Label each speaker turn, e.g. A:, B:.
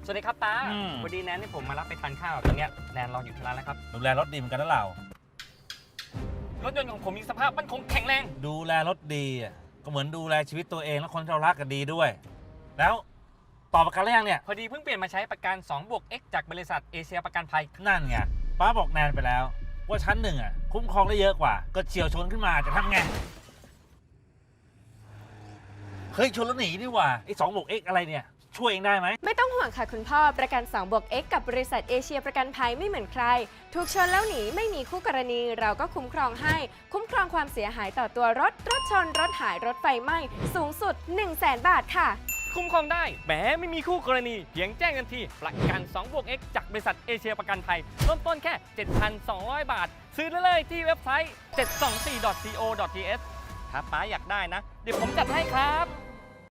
A: สวัสดีครับป้าวันนี้แนนที่ผมมารับไปทานข้าวตอนนี้แนนรออยู่ที่ร้านแล้วครับ
B: ดูแลรถดีเหมือนกันนะเรา
A: รถยนต์ของผมมีสภาพมั่นคงแข็งแรง
B: ดูแลรถดีก็เหมือนดูแลชีวิตตัวเองและคนที่เรารักกันดีด้วยแล้วต่อประกันหรือยังเนี่ย
A: พอดีเพิ่งเปลี่ยนมาใช้ประกัน 2+X จากบริษัทเอเชียประกันภัย
B: นั่นไงป้าบอกแนนไปแล้วว่าชั้นหนึ่งคุ้มครองได้เยอะกว่าก็เฉียวชนขึ้นมาจะทำไงเฮ้ยชนแล้วหนีนี่หว่าไอ้2+X อะไรเนี่ยช่วยเองได้ไหม
C: ไม่ต้องห่วงค่ะคุณพ่อประกัน 2+X กับบริษัทเอเชียประกันภัยไม่เหมือนใครถูกชนแล้วหนีไม่มีคู่กรณีเราก็คุ้มครองให้คุ้มครองความเสียหายต่อตัวรถชนรถหายรถไฟไหม้สูงสุด 100,000 บาทค่ะ
A: คุ้มครองได้แหมไม่มีคู่กรณีเพียงแจ้งกันทีประกัน 2+X จากบริษัทเอเชียประกันภัยเริ่มต้นแค่ 7,200 บาทซื้อได้เลยที่เว็บไซต์ 724.co.th ถ้าป้าอยากได้นะเดี๋ยวผมจัดให้ครับ